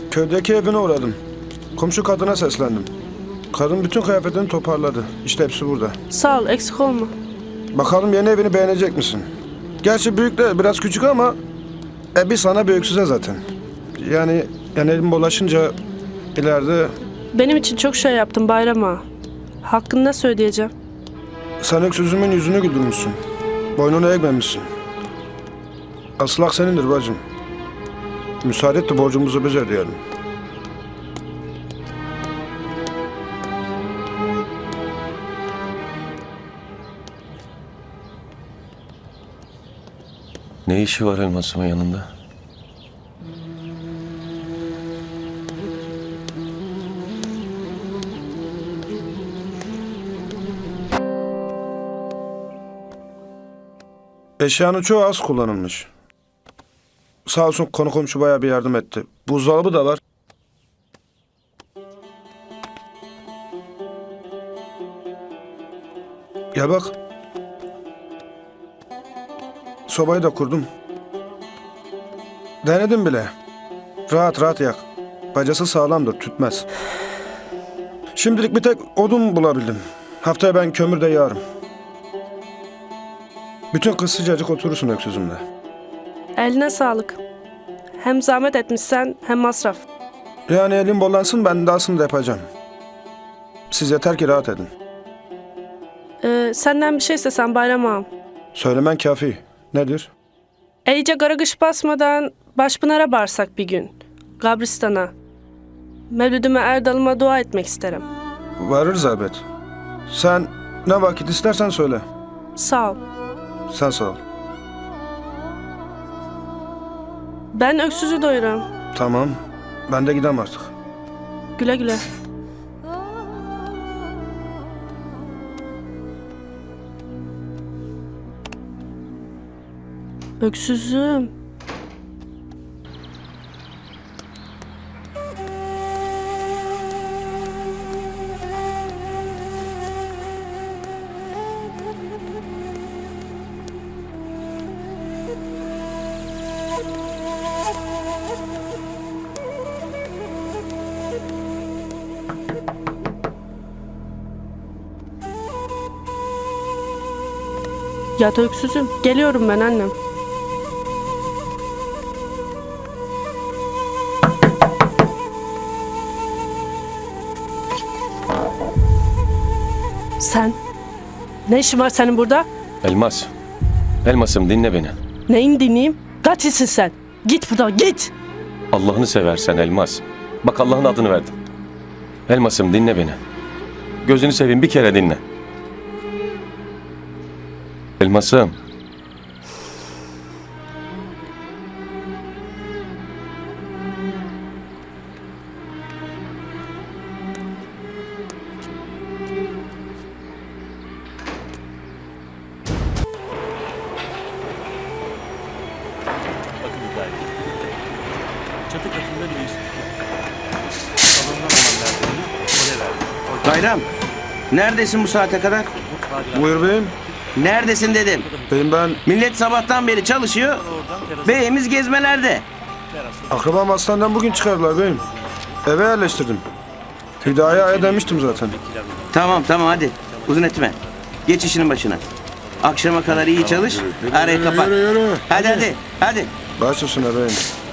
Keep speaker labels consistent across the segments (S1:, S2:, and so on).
S1: Köydeki evine uğradım. Komşu kadına seslendim. Kadın bütün kıyafetini toparladı. İşte hepsi burada.
S2: Sağ ol, eksik olma.
S1: Bakalım yeni evini beğenecek misin? Gerçi büyük de biraz küçük ama bir sana bir öksüze zaten. Yani elim bulaşınca ileride
S2: Benim için çok şey yaptın Bayram ağa. Hakkını nasıl ödeyeceğim?
S1: sen öksüzümün yüzünü güldürmüşsün. Boynunu eğmemişsin. Asıl hak senindir bacım. Müsaade et de borcumuzu biz ödeyelim.
S3: Ne işi var elmasımın yanında?
S1: Eşyanın çoğu az kullanılmış. Sağ olsun konu komşu bayağı bir yardım etti. Buzdolabı da var. Gel bak. Sobayı da kurdum. Denedim bile. Rahat rahat yak. Bacası sağlamdır, tütmez. Şimdilik bir tek odun bulabildim. Haftaya ben kömür de yağarım. Bütün kız sıcacık oturursun öksüzümle.
S2: Eline sağlık. Hem zahmet etmişsen hem masraf.
S1: Yani elim bollansın, ben dahasını da yapacağım. Siz yeter ki rahat edin.
S2: Senden bir şey istesem Bayram ağam.
S1: Söylemen kafi. Nedir?
S2: İyice garagış basmadan Başpınar'a barsak bir gün. Kabristan'a. Mevlüdüme Erdal'ıma dua etmek isterim.
S1: Varırız elbet. Sen ne vakit istersen söyle.
S2: Sağ ol.
S1: Sen sağ ol.
S2: Ben öksüzü doyuram.
S1: Tamam. Ben de gidem artık.
S2: Güle güle. Öksüzüm. Yat öksüzüm. Geliyorum ben annem. Sen? Ne işin var senin burada?
S3: Elmas. Elmasım dinle beni.
S2: Neyin dinleyeyim? Katilsin sen. Git buradan git.
S3: Allah'ını seversen Elmas. Bak Allah'ın adını verdim. Elmasım dinle beni. Gözünü seveyim bir kere dinle. Elmasım.
S4: Bakın hikaye. Çatı katında bir değişiklik yok. Salondan alan verdiğini oraya verdi.
S5: Bayram, neredesin bu saate kadar?
S1: Buyur beyim.
S5: Neredesin dedim.
S1: Beyim ben
S5: Millet sabahtan beri çalışıyor, beyimiz gezmelerde.
S1: akrabam hastaneden bugün çıkardılar beyim. Eve yerleştirdim. Hidaya'ya demiştim zaten.
S5: Tamam hadi, uzun etme. Geç işinin başına. Akşama kadar iyi çalış, arayı kapat.
S1: Yürü.
S5: Hadi.
S1: Baş üstüne beyim.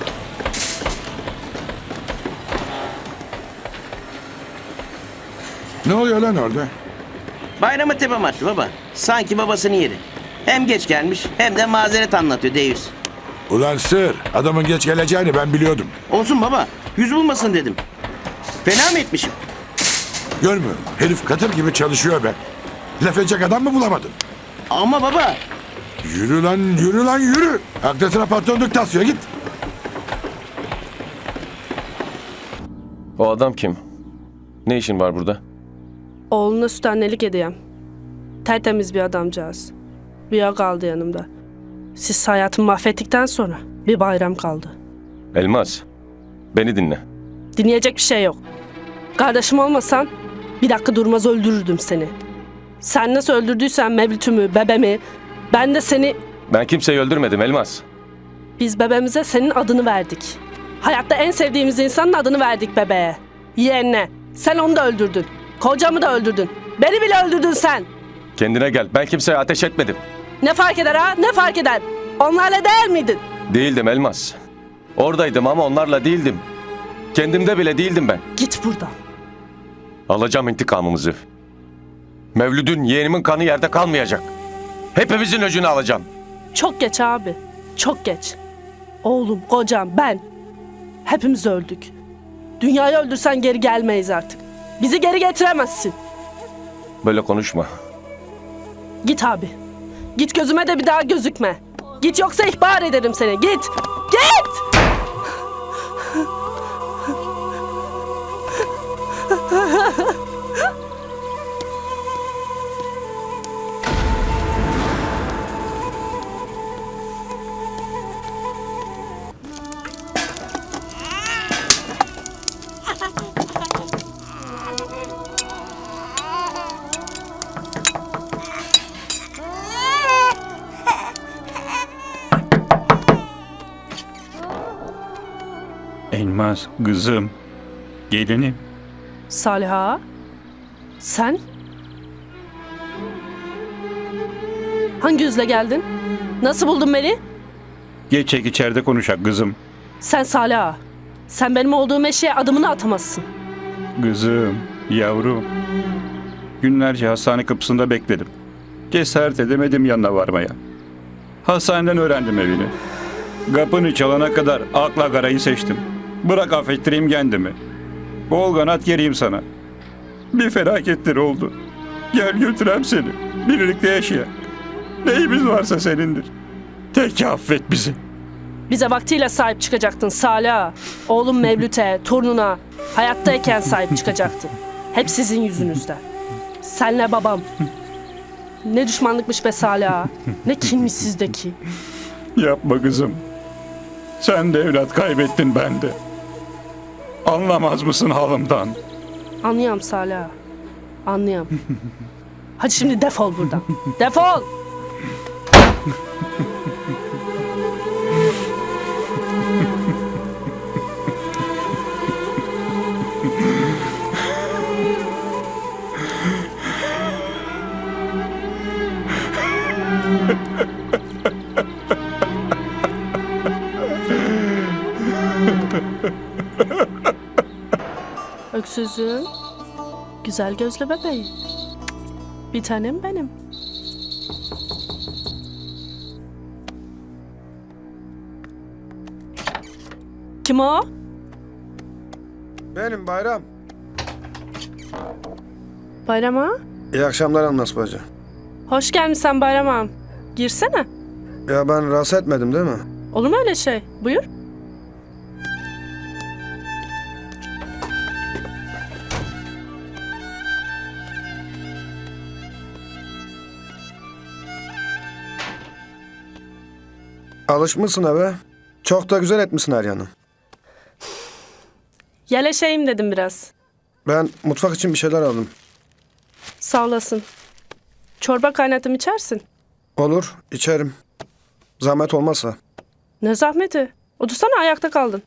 S6: Ne oluyor lan orada?
S5: Bayramı tepem attı baba. Sanki babasının yeri. Hem geç gelmiş hem de mazeret anlatıyor Deyüz.
S6: Ulan sır, adamın geç geleceğini ben biliyordum.
S5: Olsun baba, yüz bulmasın dedim. Fena mı etmişim?
S6: Görmüyor musun? Herif katır gibi çalışıyor be. Laf edecek adam mı bulamadın?
S5: Ama baba,
S6: Yürü lan yürü. Aklı patronluk tasıyor git.
S3: O adam kim? Ne işin var burada?
S2: Oğluna süt annelik edeyim. Tertemiz bir adamcağız. Rüya kaldı yanımda. Siz hayatımı mahvettikten sonra bir bayram kaldı.
S3: Elmas. Beni dinle.
S2: Dinleyecek bir şey yok. Kardeşim olmasan bir dakika durmaz öldürürdüm seni. Sen nasıl öldürdüysen Mevlüt'ümü, bebemi, ben de seni...
S3: Ben kimseyi öldürmedim Elmas.
S2: Biz bebeğimize senin adını verdik. Hayatta en sevdiğimiz insanın adını verdik bebeğe. Yeğenine. Sen onu da öldürdün. Kocamı da öldürdün. Beni bile öldürdün sen.
S3: Kendine gel. Ben kimseye ateş etmedim.
S2: Ne fark eder ha? Ne fark eder? Onlarla değil miydin?
S3: Değildim Elmas. Oradaydım ama onlarla değildim. Kendimde bile değildim ben.
S2: Git buradan.
S3: Alacağım intikamımızı. Mevlüt'ün, yeğenimin kanı yerde kalmayacak. Hepimizin öcünü alacağım.
S2: Çok geç abi. Çok geç. Oğlum, kocam, ben. Hepimiz öldük. Dünyayı öldürsen geri gelmeyiz artık. Bizi geri getiremezsin.
S3: Böyle konuşma.
S2: Git abi. Git, gözüme de bir daha gözükme. Git, yoksa ihbar ederim seni. Git. Git!
S7: Elmas, kızım, gelinim.
S2: Saliha. Sen? Hangi yüzle geldin? Nasıl buldun beni?
S7: Geçek içeride konuşak kızım.
S2: Sen Saliha. Sen benim olduğum eşeğe adımını atamazsın.
S7: Kızım, yavrum. Günlerce hastane kapısında bekledim. Cesaret edemedim yanına varmaya. Hastaneden öğrendim evini. Kapını çalana kadar akla karayı seçtim. Bırak affettireyim kendimi. Bol kanat gereyim sana. Bir felaketler oldu. Gel götürem seni. Birlikte yaşayak. Neyimiz varsa senindir. Tek affet bizi.
S2: Bize vaktiyle sahip çıkacaktın Saliha. Oğlum Mevlüt'e, torununa, hayattayken sahip çıkacaktın. Hep sizin yüzünüzden. Senle babam. Ne düşmanlıkmış be Saliha. Ne kinmiş sizdeki.
S7: Yapma kızım. Sen de evlat kaybettin, ben de. Anlamaz mısın halımdan?
S2: Anlıyorum Saliha. Anlıyorum. Hadi şimdi defol buradan. Defol! Öksüzüm, güzel gözlü bebeğim. Bir tanem benim. Kim o?
S1: Benim Bayram.
S2: Bayram ağa?
S1: İyi akşamlar Anlas bacı.
S2: Hoş gelmişsin Bayram ağam. Girsene.
S1: Ya ben rahatsız etmedim değil mi?
S2: Olur mu öyle şey? Buyur.
S1: Alışmışsın eve. Çok da güzel etmişsin her yanı.
S2: Yeleşeyim dedim biraz.
S1: Ben mutfak için bir şeyler aldım.
S2: Sağ olasın. Çorba kaynattım, içersin.
S1: Olur, içerim. Zahmet olmazsa.
S2: Ne zahmeti? Otursana, ayakta kaldın.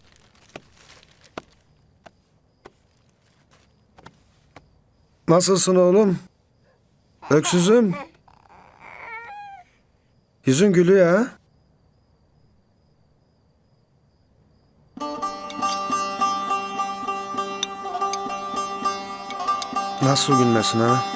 S1: Nasılsın oğlum? Öksüzüm. Yüzün gülüyor ha? Nasıl gülmesin ha?